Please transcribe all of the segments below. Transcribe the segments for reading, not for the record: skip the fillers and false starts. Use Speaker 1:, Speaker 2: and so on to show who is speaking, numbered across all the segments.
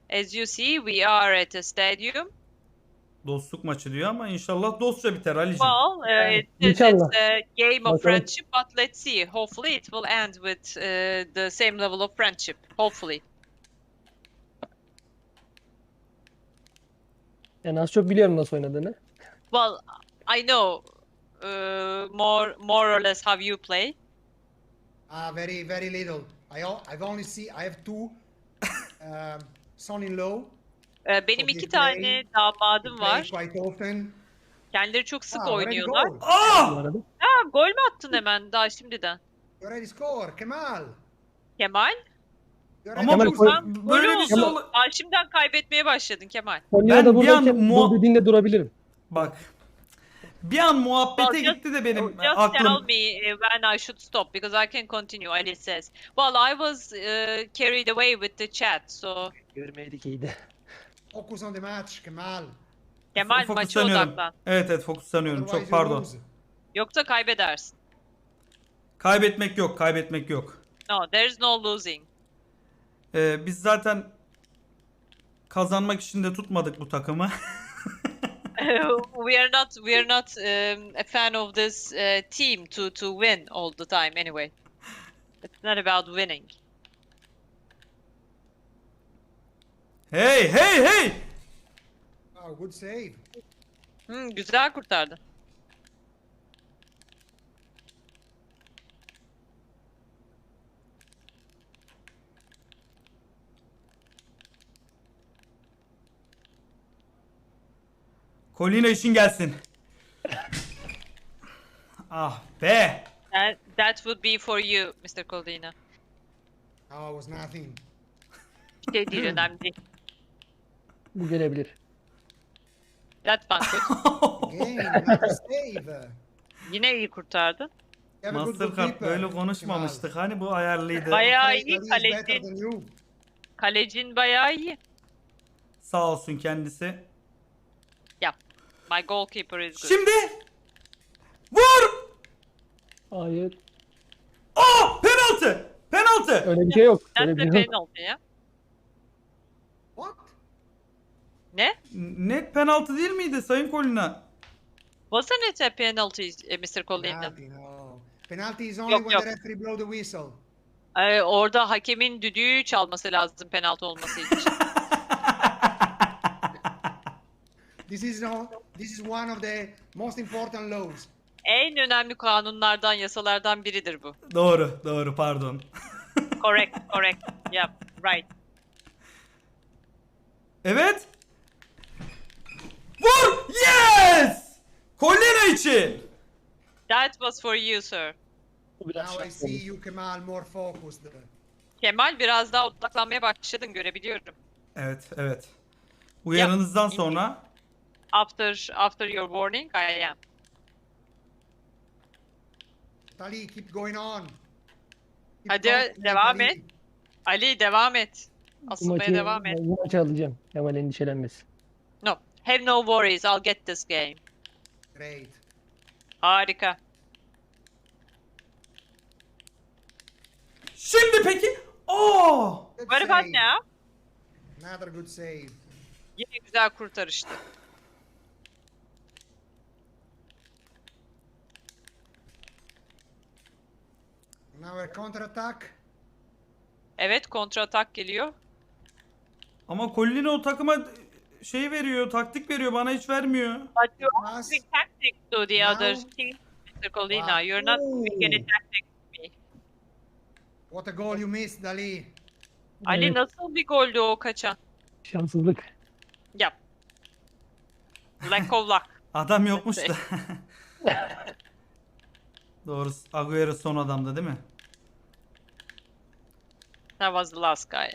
Speaker 1: As you see, we are at a stadium.
Speaker 2: Dostluk maçı diyor ama inşallah dostça biter Ali'cim.
Speaker 1: Well, it's
Speaker 3: İnşallah.
Speaker 1: a game of
Speaker 3: Bakalım.
Speaker 1: friendship, but let's see. Hopefully, it will end with the same level of friendship. Hopefully.
Speaker 3: Yani az çok biliyorum nasıl oynadığını.
Speaker 1: Well, I know more or less how you play.
Speaker 4: Very, very little. I've only I have two son-in-law.
Speaker 1: Benim
Speaker 4: So
Speaker 1: iki
Speaker 4: they
Speaker 1: tane
Speaker 4: play-
Speaker 1: damadım
Speaker 4: They play
Speaker 1: var.
Speaker 4: quite often.
Speaker 1: Kendileri çok sık
Speaker 4: Already
Speaker 1: oynuyorlar.
Speaker 4: goal.
Speaker 3: Bu
Speaker 2: Ah!
Speaker 3: arada.
Speaker 1: Ha, gol mü attın hemen daha şimdiden?
Speaker 4: You already score, Kemal.
Speaker 1: Kemal?
Speaker 4: You
Speaker 2: Ama
Speaker 4: already
Speaker 3: Kemal,
Speaker 4: lose.
Speaker 3: koy-
Speaker 2: böyle
Speaker 1: Gol
Speaker 2: bir şey
Speaker 1: oldu.
Speaker 2: ol...
Speaker 1: Daha şimdiden kaybetmeye başladın Kemal.
Speaker 3: Konya'da
Speaker 2: Ben bir an
Speaker 3: buradayken bu dediğinde durabilirim.
Speaker 2: Bak. Bir an muhabbete
Speaker 1: Well,
Speaker 2: gitti de benim
Speaker 1: Just tell
Speaker 2: aklım.
Speaker 1: me when I should stop because I can continue. Ali says. Well, I was carried away with the chat, so
Speaker 3: Görmedik iyiydi.
Speaker 4: Focus on the match, Kemal.
Speaker 1: Kemal maça
Speaker 2: Fokuslanıyorum.
Speaker 1: odaklan.
Speaker 2: Evet fokuslanıyorum.
Speaker 4: Otherwise
Speaker 2: Çok
Speaker 4: you
Speaker 2: pardon.
Speaker 4: lose.
Speaker 1: Yoksa kaybedersin.
Speaker 2: Kaybetmek yok, kaybetmek yok.
Speaker 1: No, there's no losing.
Speaker 2: Biz zaten kazanmak için de tutmadık bu takımı.
Speaker 1: We are not a fan of this team to win all the time anyway. It's not about winning.
Speaker 2: Hey hey hey!
Speaker 4: Oh, good save.
Speaker 1: Güzel kurtardı.
Speaker 2: Kolina için gelsin. Ah be!
Speaker 1: That would be for you, Mr. Coldina.
Speaker 4: Oh, it was nothing.
Speaker 1: Şey değil, önemli değil.
Speaker 3: Bu gelebilir.
Speaker 1: That one good.
Speaker 4: Again, another save.
Speaker 1: Yine iyi kurtardın.
Speaker 4: You have a good
Speaker 2: Mastercard
Speaker 4: goalkeeper,
Speaker 2: böyle konuşmamıştık. Hani bu ayarlıydı.
Speaker 1: Bayağı
Speaker 4: Kemal.
Speaker 1: iyi
Speaker 4: He is better
Speaker 1: kaleci.
Speaker 4: than you.
Speaker 1: Kalecin bayağı iyi.
Speaker 2: Sağ olsun kendisi.
Speaker 1: Yap. My goalkeeper is good.
Speaker 2: Şimdi vur!
Speaker 3: Hayır.
Speaker 2: Aa! Penaltı! Penaltı!
Speaker 3: Öyle bir şey yok. Öyle
Speaker 1: That's
Speaker 3: bir
Speaker 1: a
Speaker 3: şey yok.
Speaker 1: penalty ya.
Speaker 4: What?
Speaker 1: Ne?
Speaker 2: Net penaltı değil miydi Sayın Kolina?
Speaker 1: Wasn't it a penalty, Mr. Coldina?
Speaker 4: Penalty, no. Penalty is only
Speaker 1: Yok,
Speaker 4: when
Speaker 1: yok.
Speaker 4: the referee blow the whistle.
Speaker 1: Orada hakemin düdüğü çalması lazım penaltı olması için.
Speaker 4: This is one of the most important laws.
Speaker 1: En önemli kanunlardan, yasalardan biridir bu.
Speaker 2: Doğru, doğru pardon.
Speaker 1: Correct, correct. Yep, right.
Speaker 2: Evet. Vur! Yes! Kolina için.
Speaker 1: That was for you, sir.
Speaker 3: Bu biraz
Speaker 4: Now I
Speaker 3: şans
Speaker 4: see
Speaker 3: olmuş.
Speaker 4: you, Kemal, more focused.
Speaker 1: Kemal biraz daha odaklanmaya başladın, görebiliyorum.
Speaker 2: Evet, evet. Uyarınızdan
Speaker 1: Yap.
Speaker 2: sonra
Speaker 1: After your warning, I am.
Speaker 4: Tali, keep going on. Keep
Speaker 1: Hadi,
Speaker 4: confident,
Speaker 1: devam
Speaker 4: Tali.
Speaker 1: et. Ali devam et.
Speaker 3: Bu
Speaker 1: Asılmaya
Speaker 3: maçı,
Speaker 1: devam et.
Speaker 3: bu maçı alacağım. Kemal endişelenmesin.
Speaker 1: No, have no worries. I'll get this game.
Speaker 4: Great.
Speaker 1: Harika.
Speaker 2: şimdi peki. Aa!
Speaker 4: Good
Speaker 1: What about
Speaker 4: save.
Speaker 1: now?
Speaker 4: Another good save.
Speaker 1: Yine güzel kurtarıştı.
Speaker 4: Now a counter attack.
Speaker 1: Evet, kontra atak geliyor.
Speaker 2: Ama Kolina o takıma şey veriyor, taktik veriyor, bana hiç vermiyor.
Speaker 1: But you're
Speaker 4: Pass.
Speaker 1: giving tactics to the
Speaker 4: Now.
Speaker 1: other team, Mr. Colina.
Speaker 4: Wow.
Speaker 1: You're not giving any
Speaker 4: Ooh.
Speaker 1: tactics to me.
Speaker 4: What a goal you missed, Dali.
Speaker 1: Ali
Speaker 3: Evet,
Speaker 1: nasıl bir goldü o kaçan?
Speaker 3: şanssızlık.
Speaker 1: Yap. Lack of luck.
Speaker 2: Adam yokmuş da. Doğru. Agüero son adamdı değil mi?
Speaker 1: That was the last guy.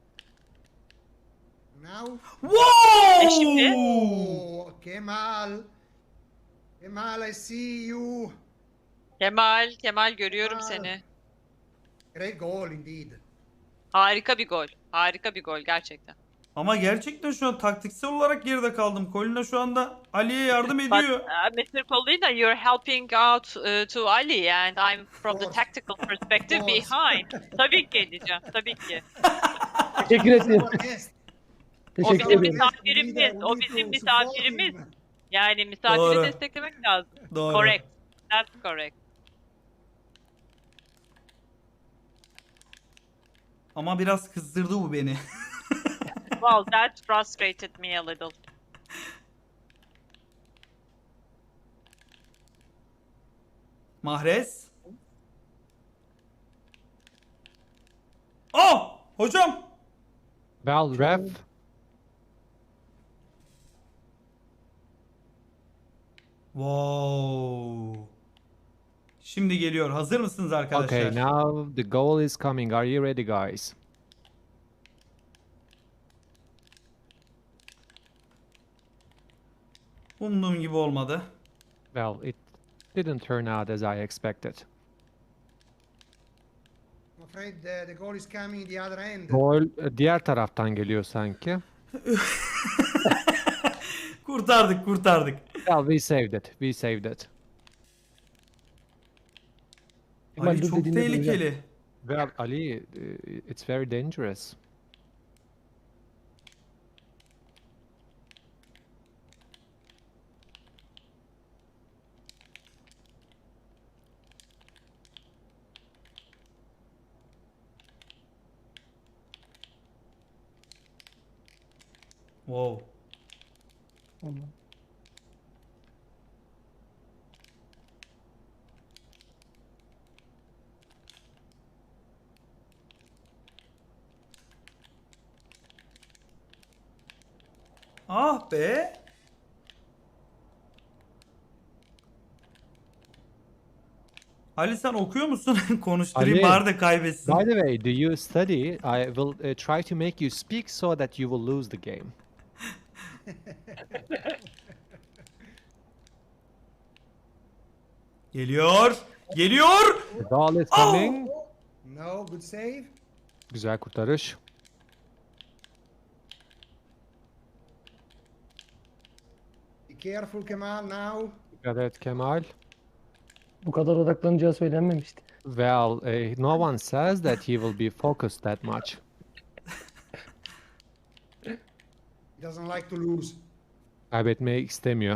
Speaker 4: Now.
Speaker 2: Wow!
Speaker 1: şimdi?
Speaker 4: Oh, Kemal. Kemal, I see you.
Speaker 1: Kemal görüyorum
Speaker 4: Aa.
Speaker 1: seni.
Speaker 4: Great goal indeed.
Speaker 1: Harika bir gol. Harika bir gol gerçekten.
Speaker 2: Ama gerçekten şu an taktiksel olarak geride kaldım. Kolina şu anda Ali'ye yardım
Speaker 1: But
Speaker 2: ediyor.
Speaker 1: Mr. Colina, you're helping out to Ali and I'm from the
Speaker 4: course.
Speaker 1: tactical perspective
Speaker 4: Of course.
Speaker 1: behind. Tabii ki edeceğim. Tabii ki.
Speaker 3: Teşekkür ederim.
Speaker 4: Our guest.
Speaker 3: Teşekkür
Speaker 1: bizim
Speaker 3: ederim.
Speaker 1: misafirimiz, o bizim misafirimiz. Yani misafiri
Speaker 2: Doğru.
Speaker 1: desteklemek lazım.
Speaker 2: Doğru.
Speaker 1: Correct. That's correct.
Speaker 2: Ama biraz kızdırdı bu beni.
Speaker 1: Well, that frustrated me a little.
Speaker 2: Mahrez. Oh! Hocam!
Speaker 5: Val, ref.
Speaker 2: Wow. Şimdi geliyor. Hazır mısınız arkadaşlar?
Speaker 5: Okay, now the goal is coming. Are you ready, guys?
Speaker 2: Umduğum gibi olmadı.
Speaker 5: Well, it didn't turn out as I expected.
Speaker 4: I'm afraid the goal is coming the other end.
Speaker 5: Gol diğer taraftan geliyor sanki.
Speaker 2: Kurtardık, kurtardık.
Speaker 5: Well, we saved it. We saved it.
Speaker 3: Kemal
Speaker 2: Ali
Speaker 3: dur
Speaker 2: çok
Speaker 3: dediğinde duracağım.
Speaker 2: tehlikeli.
Speaker 5: Well, Ali, it's very dangerous.
Speaker 2: Wow.
Speaker 3: Tamam.
Speaker 2: Ah be. Ali sen okuyor musun? Konuşturayım
Speaker 5: Ali.
Speaker 2: bari de kaybetsin.
Speaker 5: By the way, do you study? I will try to make you speak so that you will lose the game.
Speaker 2: Geliyor. Geliyor.
Speaker 5: The ball is coming.
Speaker 4: No, good save.
Speaker 5: Güzel kurtarış.
Speaker 4: Be careful, Kemal, now.
Speaker 5: Dikkat et Kemal.
Speaker 3: Bu kadar odaklanacağı söylenmemişti.
Speaker 5: Well, no one says that he will be focused that much.
Speaker 4: He doesn't like to lose.
Speaker 5: Kaybetmeyi istemiyor.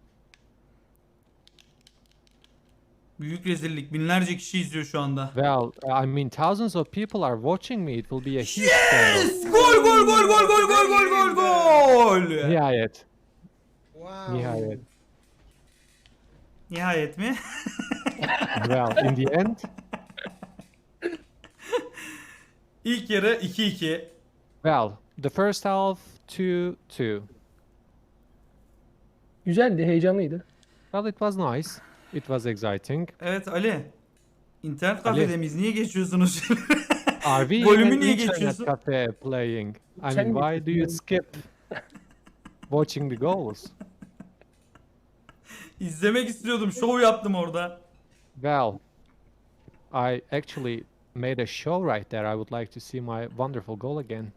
Speaker 2: Büyük rezillik. Binlerce kişi izliyor şu anda.
Speaker 5: Well, I mean, thousands of people are watching me. It will be a huge scandal.
Speaker 2: Yes! Gol gol gol gol gol gol gol gol gol.
Speaker 5: Nihayet.
Speaker 4: Wow.
Speaker 5: Nihayet.
Speaker 2: Nihayet mi?
Speaker 5: Well, in the end,
Speaker 2: İlk yarı 2-2.
Speaker 5: well, the first half 2-2.
Speaker 3: Güzeldi, heyecanlıydı.
Speaker 5: Well, it was nice. It was exciting.
Speaker 2: Evet Ali. İnternet
Speaker 5: Ali.
Speaker 2: kafede miyiz? Niye geçiyorsunuz?
Speaker 5: Are we
Speaker 2: Golümü
Speaker 5: in
Speaker 2: niye
Speaker 5: internet
Speaker 2: geçiyorsun?
Speaker 5: cafe playing? I mean,
Speaker 3: Sen
Speaker 5: why do you
Speaker 3: geçiyorsun.
Speaker 5: skip watching the goals?
Speaker 2: İzlemek istiyordum. Şov yaptım orada.
Speaker 5: Well, I actually made a show right there. I would like to see my wonderful goal again.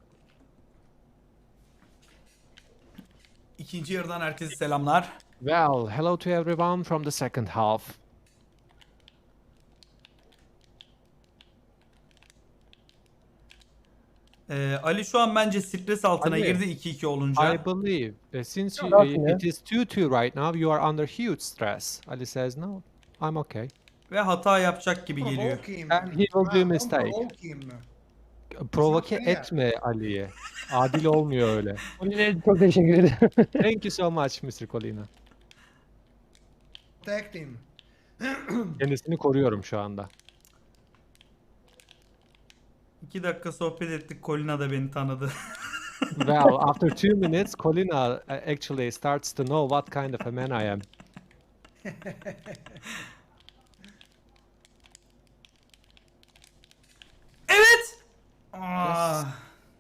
Speaker 2: İkinci yarıdan herkese selamlar.
Speaker 5: Well, hello to everyone from the second half.
Speaker 2: Ali şu an bence stres altına
Speaker 5: Ali.
Speaker 2: girdi 2-2 olunca.
Speaker 5: I believe since you,
Speaker 3: Nothing,
Speaker 5: it is 2-2 right now, you are under huge stress. Ali says, no, I'm okay.
Speaker 2: Ve hata yapacak gibi geliyor.
Speaker 4: Provoke him.
Speaker 5: And he will do
Speaker 4: Kemal, don't
Speaker 5: mistake.
Speaker 4: provoke him.
Speaker 5: Provoke
Speaker 4: fair.
Speaker 5: etme Ali'ye. Adil olmuyor öyle.
Speaker 3: Oli'ye çok teşekkür ederim.
Speaker 5: Thank you so much Mr. Colina.
Speaker 4: Protect him.
Speaker 5: Kendisini koruyorum şu anda.
Speaker 2: 2 dakika sohbet ettik. Colina da beni tanıdı.
Speaker 5: Well, after 2 minutes, Colina actually starts to know what kind of a man I am.
Speaker 2: Evet. Ah.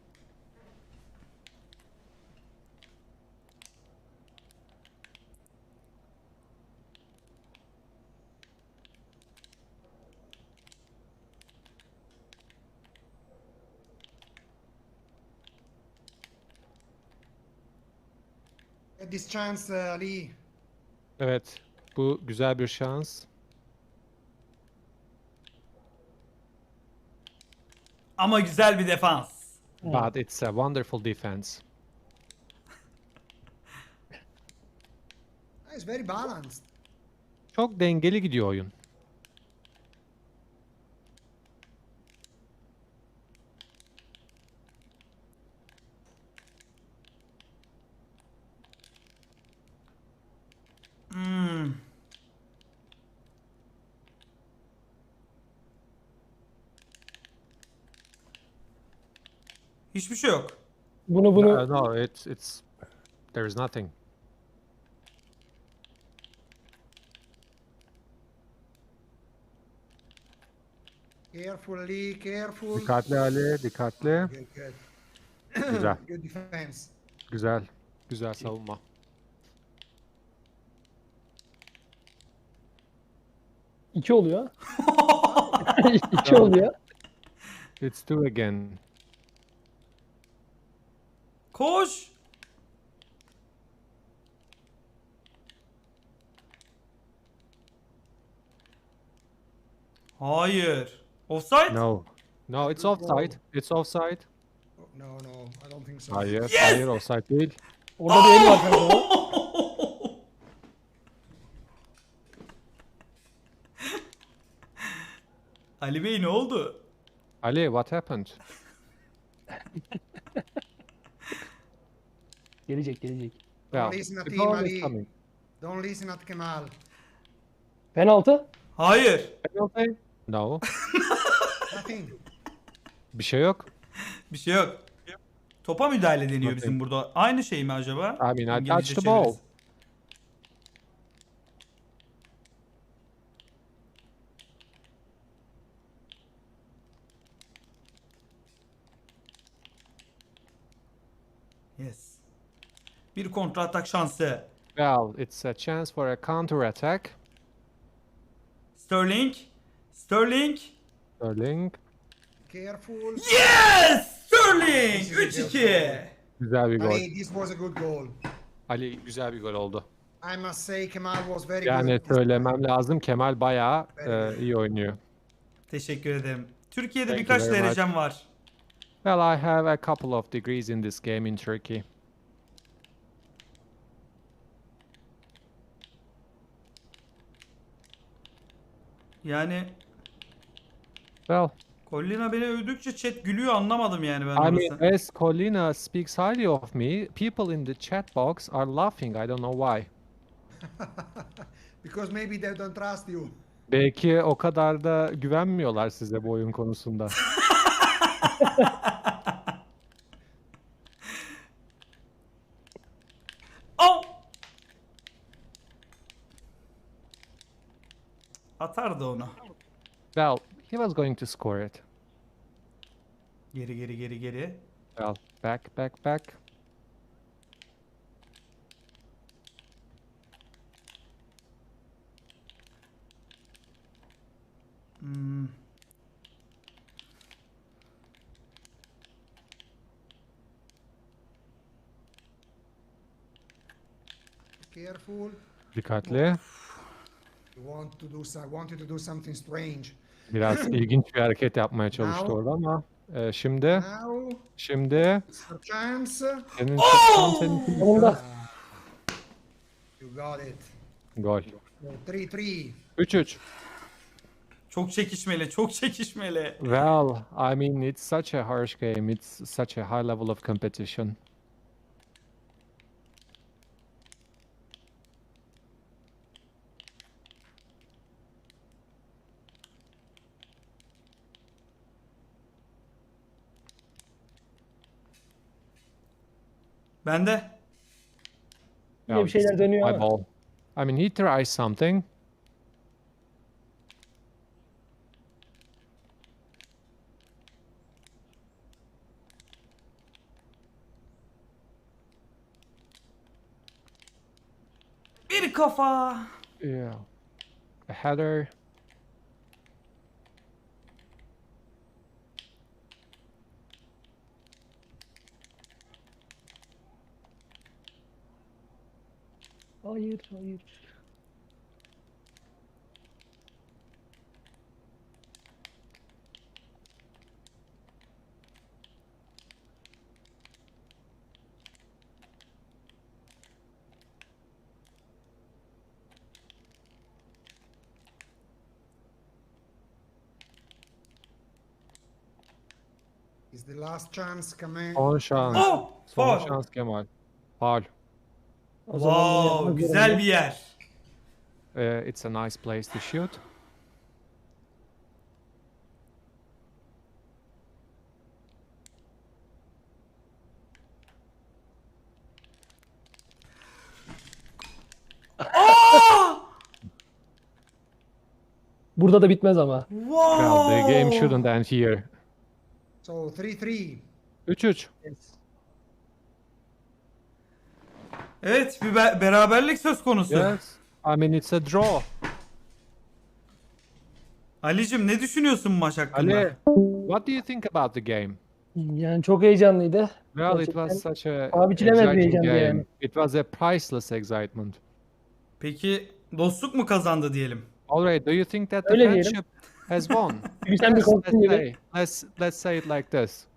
Speaker 4: Get this chance, Ali.
Speaker 5: Evet, bu güzel bir şans.
Speaker 2: Ama güzel bir defans.
Speaker 5: but it's a wonderful defense.
Speaker 4: It's very balanced.
Speaker 5: Çok dengeli gidiyor oyun.
Speaker 2: Hmm. Hiçbir şey yok.
Speaker 3: Bunu
Speaker 5: No, it's there is nothing.
Speaker 4: Carefully, careful.
Speaker 5: Dikkatli Ali, dikkatli.
Speaker 4: Good, good.
Speaker 5: Güzel,
Speaker 4: Good defense.
Speaker 5: güzel. Güzel savunma.
Speaker 3: iki oluyor. 2 oluyor.
Speaker 5: It's two again.
Speaker 2: Koş. Hayır. Offside?
Speaker 5: No. No, it's offside. It's offside.
Speaker 4: Oh, no, no, I don't think so.
Speaker 5: Hayır, hayır offside değil.
Speaker 3: Orada bir el var kanka.
Speaker 2: Ali Bey ne oldu?
Speaker 5: Ali, what happened?
Speaker 3: Gelecek gelecek.
Speaker 5: Well,
Speaker 4: listen to
Speaker 5: the
Speaker 4: team,
Speaker 5: goal is
Speaker 4: Ali.
Speaker 5: coming.
Speaker 4: Don't listen at Kemal.
Speaker 3: Penaltı.
Speaker 2: Hayır.
Speaker 5: Penalty? No.
Speaker 4: Nothing.
Speaker 5: Bir şey yok.
Speaker 2: Bir şey yok. Topa müdahale deniyor
Speaker 5: Nothing.
Speaker 2: bizim burada. Aynı şey mi acaba?
Speaker 5: I mean, I
Speaker 2: İngilizce
Speaker 5: touched the ball.
Speaker 2: çevirisi. Yes. Bir kontra atak şansı.
Speaker 5: Well, it's a chance for a counter attack.
Speaker 2: Sterling. Sterling.
Speaker 5: Sterling.
Speaker 4: Careful.
Speaker 2: Yes! Sterling! 3-2.
Speaker 5: Güzel bir gol.
Speaker 4: Ali, this was a good goal.
Speaker 5: Ali güzel bir gol oldu.
Speaker 4: I must say Kemal was very
Speaker 5: Yani
Speaker 4: good.
Speaker 5: söylemem lazım, Kemal bayağı iyi oynuyor.
Speaker 2: Teşekkür ederim. Türkiye'de
Speaker 5: Thank you
Speaker 2: birkaç
Speaker 5: very much.
Speaker 2: derecem var.
Speaker 5: Well, I have a couple of degrees in this game in Turkey.
Speaker 2: Yani
Speaker 5: Well,
Speaker 2: Collina beni övdükçe chat gülüyor, anlamadım yani ben
Speaker 5: I mean,
Speaker 2: orası.
Speaker 5: as Colina speaks highly of me, people in the chat box are laughing. I don't know why.
Speaker 4: Because maybe they don't trust you.
Speaker 5: Belki o kadar da güvenmiyorlar size bu oyun konusunda.
Speaker 2: Au! Atardı onu.
Speaker 5: Well, he was going to score it.
Speaker 2: Geri geri geri geri.
Speaker 5: Well, back.
Speaker 2: Hmm.
Speaker 4: Careful.
Speaker 5: Dikkatli.
Speaker 4: Want you to do something strange.
Speaker 5: Biraz ilginç bir hareket yapmaya çalıştı
Speaker 4: Now.
Speaker 5: orada ama şimdi
Speaker 4: Now, it's a chance.
Speaker 5: senin senin
Speaker 3: Sonunda.
Speaker 4: You got it.
Speaker 5: gol.
Speaker 4: 3-3.
Speaker 5: 3-3.
Speaker 2: Çok çekişmeli, çok çekişmeli.
Speaker 5: Well, I mean, it's such a harsh game. It's such a high level of competition.
Speaker 2: Bende.
Speaker 3: Yine bir
Speaker 5: this
Speaker 3: şeyler
Speaker 5: is
Speaker 3: dönüyor
Speaker 5: my
Speaker 3: ama.
Speaker 5: ball. I mean, he tries something.
Speaker 2: Bir kafa.
Speaker 5: Yeah. A header.
Speaker 3: Hayır hayır.
Speaker 4: the last chance, Kemal.
Speaker 5: Son şans.
Speaker 2: Oh!
Speaker 5: Son
Speaker 2: Faul.
Speaker 5: şans Kemal. Faul.
Speaker 3: O zaman bunu
Speaker 2: Wow,
Speaker 3: yapmak
Speaker 2: güzel
Speaker 3: zorunda.
Speaker 2: bir yer.
Speaker 5: It's a nice place to shoot.
Speaker 3: Burada da bitmez ama.
Speaker 2: Wow.
Speaker 5: Well, the game shouldn't end here.
Speaker 4: So 3-3.
Speaker 5: 3-3.
Speaker 2: Evet, bir beraberlik söz konusu.
Speaker 5: Yes. I mean it's a draw.
Speaker 2: Ali'cim ne düşünüyorsun maç hakkında?
Speaker 5: Ali, what do you think about the game?
Speaker 3: Yani çok heyecanlıydı.
Speaker 5: Well, it
Speaker 3: Gerçekten
Speaker 5: was such a
Speaker 3: paha biçilemez bir
Speaker 5: exciting
Speaker 3: heyecandı
Speaker 5: game.
Speaker 3: yani.
Speaker 5: It was a priceless excitement.
Speaker 2: Peki dostluk mu kazandı diyelim?
Speaker 5: Alright, do you think that the
Speaker 3: Öyle diyelim.
Speaker 5: friendship has won?
Speaker 3: Çünkü sen bir
Speaker 5: Let's
Speaker 3: korktun gibi.
Speaker 5: say, let's say it like this.